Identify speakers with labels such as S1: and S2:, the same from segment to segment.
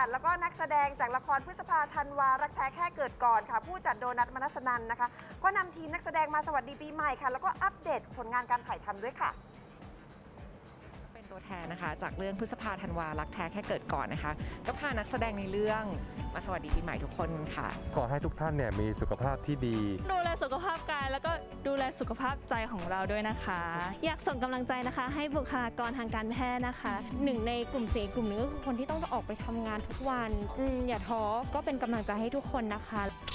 S1: ดแล้วก็นักแสดงจากละครพฤษภาธันวารักแท้แค่เกิดก่อนค่ะผู้จัดโดนัท มนัสนันนะคะก็นำทีมนักแสดงมาสวัสดีปีใหม่ค่ะแล้วก็อัปเดตผลงานการถ่ายทำด้วยค่ะ
S2: เป็นตัวแทนนะคะจากเรื่องพฤษภาธันวารักแท้แค่เกิดก่อนนะคะก็พานักแสดงในเรื่องมาสวัสดีปีใหม่ทุกคนค่ะ
S3: ขอให้ทุกท่านเนี่ยมีสุขภาพที่ดี
S4: ดูแลสุขภาพกายแล้วก็ดูแลสุขภาพใจของเราด้วยนะคะ
S5: อยากส่งกำลังใจนะคะให้บุคลากรทางการแพทย์นะคะหนึ่งในกลุ่มเสี่ยงกลุ่มหนึงก็คือคนที่ต้องออกไปทำงานทุกวันอย่าท้อก็เป็นกำลังใจให้ทุกคนนะคะ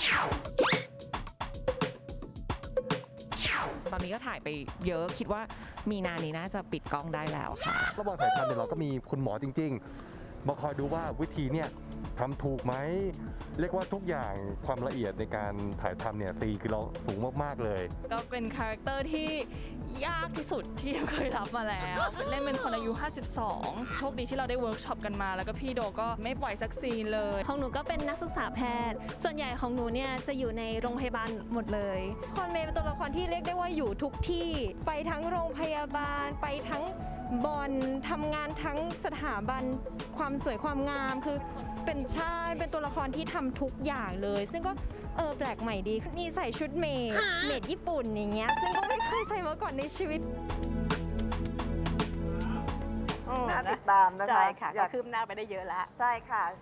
S2: ตอนนี้ก็ถ่ายไปเยอะคิดว่ามีนานี้น่าจะปิดกล้องได้แล้วค่ะ
S3: ระหว่างถ่ายทำเนี่ยเราก็มีคุณหมอจริงๆมาคอยดูว่าวิธีเนี่ยทำถูกไหมเรียกว่าทุกอย่างความละเอียดในการถ่ายทำเนี่ยคือเราสูงมากๆเลย
S4: ก็เป็นคาแรคเตอร์ที่ยากที่สุดที่เคยรับมาแล้วเล่นเป็นคนอายุ 52 โชคดีที่เราได้เวิร์กช็อปกันมาแล้วก็พี่โดก็ไม่ปล่อยสักซีนเลย
S5: ของหนูก็เป็นนักศึกษาแพทย์ส่วนใหญ่ของหนูเนี่ยจะอยู่ในโรงพยาบาลหมดเลยคอนเมย์เป็นตัวละครที่เรียกได้ว่าอยู่ทุกที่ไปทั้งโรงพยาบาลไปทั้งบอลทำงานทั้งสถาบันความสวยความงามคือเป็นเป็นตัวละครที่ทำทุกอย่างเลย ซึ่งก็แปลกใหม่ดีนี่ใส่ชุดเมดญี่ปุ่นอย่างเงี้ยซึ่งก็ไม่เคยใส่มาก่อนในชีวิต
S1: น่าติดตามนะคะ
S6: ใช่ค่ะก็คืบหน้าไปได้เยอะแล้ว
S1: ใช่ค่ะ